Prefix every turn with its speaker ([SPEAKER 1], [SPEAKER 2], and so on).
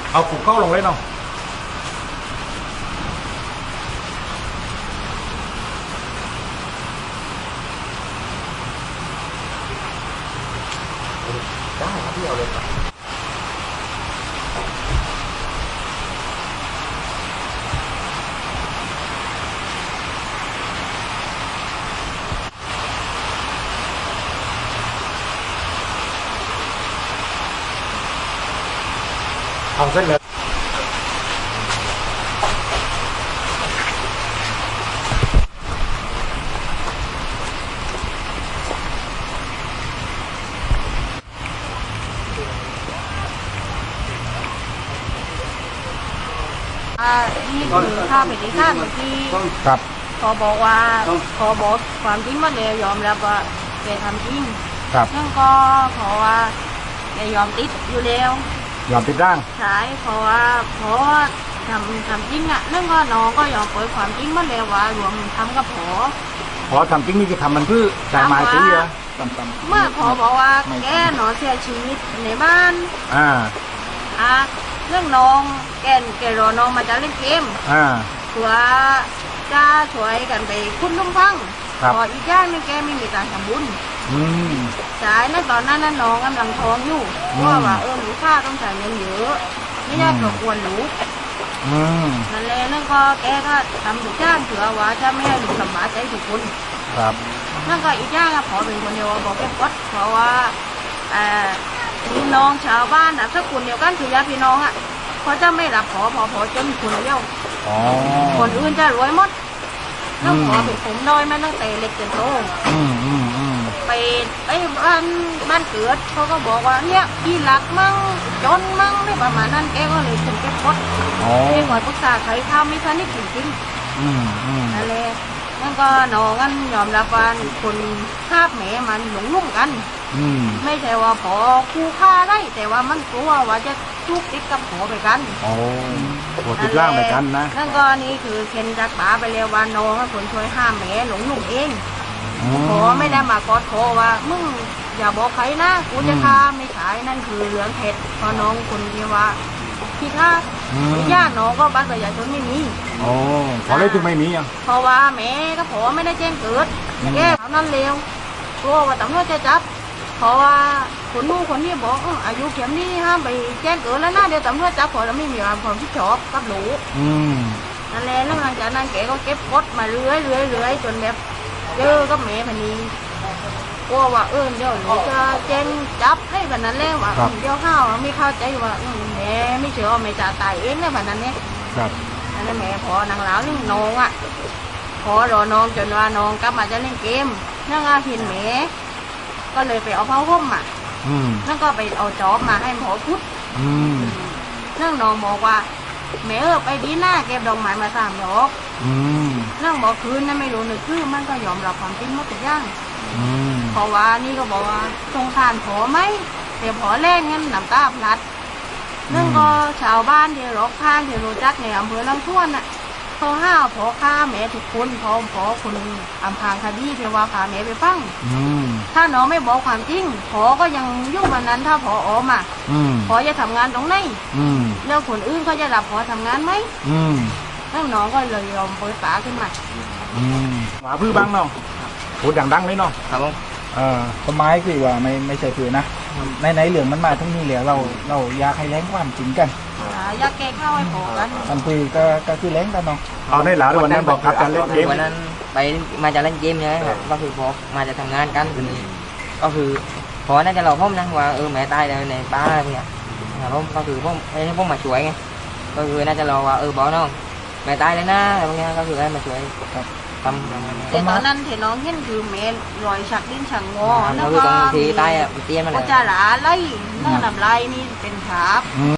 [SPEAKER 1] เอาผูกเข้าลงเลยเนาะ
[SPEAKER 2] ได้ครับพี่เอาเลยครับ
[SPEAKER 1] เอาเส้นเลย
[SPEAKER 3] นี่คือข้าเป็นที่ข้าเมื่อกี้
[SPEAKER 1] ครับ
[SPEAKER 3] ขอบอกว่าขอบอกความจริงมาเลยยอมรับว่าแกทำจริง
[SPEAKER 1] ครับ
[SPEAKER 3] นั่นก็เพราะว่าแกยอมติดอยู่แล้ว
[SPEAKER 1] ยอมติดร่าง
[SPEAKER 3] ใช่เพราะว่าทำจริงอ่ะนั่นก็น้องก็ยอมเปิดความจริงมาแล้วว่ารวมทำกับผอ
[SPEAKER 1] พอทำจริงนี่คือทำมันเพื่อจ่ายไม้ตีเหรอต่ำ
[SPEAKER 3] เมื่อผอบอกว่าแกหนอนเสียชีวิตในบ้าน
[SPEAKER 1] อ่า
[SPEAKER 3] เรื่องน้องแกรอน้องมาจะเล่นเกม
[SPEAKER 1] อ่า
[SPEAKER 3] เพื่อจะช่วยกันไปคุ้นลุ่มฟัง
[SPEAKER 1] ครับ
[SPEAKER 3] พออีกอย่างหนึงแกไม่มีการทำบุญ
[SPEAKER 1] อืม
[SPEAKER 3] ใช่ในตอนนั้นน้องกำลังท้องอยู่
[SPEAKER 1] อืม
[SPEAKER 3] ว่าหนูค่าต้องจ่ายเงินเยอะไม่อยากรบกวนหนู
[SPEAKER 1] อืม
[SPEAKER 3] นั่นแหละนั่นก็แกก็ทำทุกอย่างเผื่อว่าจะไม่ให้หนูลำบากใจทุกคน
[SPEAKER 1] ครับ
[SPEAKER 3] นั่นก็อีกอย่างอะพอเป็นคนเดียวบอกแกกดเพราะว่าพี่น้องชาวบ้านถ้าคนเดียวกันคือญาติพี่น้องอะเขาจะไม่รับพอจนคนเดียว
[SPEAKER 1] อ๋อ
[SPEAKER 3] คนอื่นจะรวยหมดต้องขอเป็นผมน้อยมาตั้งแต่เล็กจนโต
[SPEAKER 1] อืม
[SPEAKER 3] ไปบ้านเกิดเขาก็บอกว่าเนี่ยพี่หลักมั่งจนมั่งไม่ประมาณนั้นแกก็เลยถึงแกพด
[SPEAKER 1] อ๋อ
[SPEAKER 3] ไม่ขอปรึกษาใครทำไม่ทันนี่จริง
[SPEAKER 1] อืม
[SPEAKER 3] ๆนั่นแหละนั่นก็น้องกันยอมรับว่าคนคาบแหมมันหลงลุ่มกัน
[SPEAKER 1] อืม
[SPEAKER 3] ไม่ใช่ว่าพอคู่ฆ่าได้แต่ว่ามันกลัวว่าจะทุกติดกับผอไปกัน
[SPEAKER 1] โอ้โหติดร่างไปกันนะ
[SPEAKER 3] นั่นก็นี่คือเคนจากป๋าไปแล้วว่าน้องให้คนช่วยห้ามแหมหลงลุ่มเอง ขอไม่ได้มากอดคอว่ามึงอย่าบอกใครนะกูจะฆ่าไม่ขายนั่นคือเหลืองเผ็ดพอน้องคนที่ว่าพี่ฆ่าญาติน้องก็บัตรประชาชนไม่มี
[SPEAKER 1] โอ้ขอเลยถึงไม่มีอ่ะ
[SPEAKER 3] เพราะว่าแม่ก็พอไม่ได้แจ้งเกิดแก้เท่านั้นเร็วกลัวว่าตำรวจจะจับเพราะว่าคนนู้นคนนี้บอกอายุเข็มนี้ห้ามไปแจ้งเกิดแล้วนะเดี๋ยวตำรวจจับพอแล้วไม่มีความผิดชอบกับหนู
[SPEAKER 1] อืม
[SPEAKER 3] นั่นแหละแล้วหลังจากนั้นแกก็เก็บกดมาเรื่อยจนแบบเจอกับแม่พันนี้กลัวว่าเดี๋ยวหนูจะแจ้งจับให้แบบนั้นแล้วว่าเดี๋ยวข้าวไม่เข้าใจว่าแม่ไม่เชื่อว่าแม่จะตายเองเลยแบบนั้นเนี่ย
[SPEAKER 1] ครับ
[SPEAKER 3] นั่นแหละแม่พอนางหลาวนี่น้องอ่ะพอรอน้องจนว่าน้องกลับมาจะเล่นเกมนั่งเห็นแม่ก็เลยไปเอาผ้าห่มอ่ะ
[SPEAKER 1] อืม
[SPEAKER 3] นั่นก็ไปเอาจอบมาให้หมอพุทธ
[SPEAKER 1] อืม
[SPEAKER 3] นั่งน้องบอกว่าแม่ไปดีหน้าเก็บดอกไม้มา3 ดอก
[SPEAKER 1] อืม
[SPEAKER 3] นั่งบอกคืนนั่นไม่รู้นึกคือมันก็ยอมรับความจริงหมดทุกอย่าง
[SPEAKER 1] อืม
[SPEAKER 3] เพราะว่านี่ก็บอกว่าสงสารผอไหมแต่ผอแรกงั้นน้ำตาพลัดนั่นก็ชาวบ้านที่รอบข้างที่รู้จักในอำเภอลำท่วนน่ะเขาห้าวผอฆ่าแม่ทุกคนพอคนอำพรางคดีที่ว่าพาแม่ไปฟัง
[SPEAKER 1] อืม
[SPEAKER 3] ถ้าน้องไม่บอกความจริงผอก็ยังยุ่งวันนั้นถ้าผอออกมา
[SPEAKER 1] อืม
[SPEAKER 3] ผอจะทำงานตรงไหน
[SPEAKER 1] อืม
[SPEAKER 3] แล้วคนอื่นเขาจะรับผอทำงานไหม
[SPEAKER 1] อืม
[SPEAKER 3] นั่นน้องก็เลยยอมเปิดฝาขึ้นมา
[SPEAKER 1] อืมหมาพื้นบ้างเนาะพูดดังๆเลยเนาะ
[SPEAKER 2] ครับผม
[SPEAKER 4] ต้นไม้คือว่าไม่ใช่คือนะในเหลืองมันมาทั้งนี้เหลือเราอยากให้แรงความจริงกัน
[SPEAKER 3] อยากแก้ข้าวให้ผอกัน
[SPEAKER 4] มันคือก็คือแรงกันเนาะ
[SPEAKER 1] เอาในหลาด้วยวันนั้นบอกครับการเล่นเกม
[SPEAKER 2] วันนั้นไปมาจะเล่นเกมใช่ไหมครับก็คือพอมาจะทำงานกันก็คือพอน่าจะเราพ่อมนะว่าแม่ตายแล้วในป้าเนี่ยครับผมก็คือพ่อมาช่วยไงก็คือน่าจะรอว่าบอกน้องแม่ตายแล้วนะอะไรพวกนี้ก็คือให้มาช่วยทำ
[SPEAKER 3] แต่ตอนนั้นที่น้องเห็นคือแม่รอยฉักดิ้นฉักงอ
[SPEAKER 2] ก็คือตรงที่ใต้เตี้ยมัน
[SPEAKER 3] ก็จะหลาไล่เนื้อน้ำลายนี่เป็นขาบ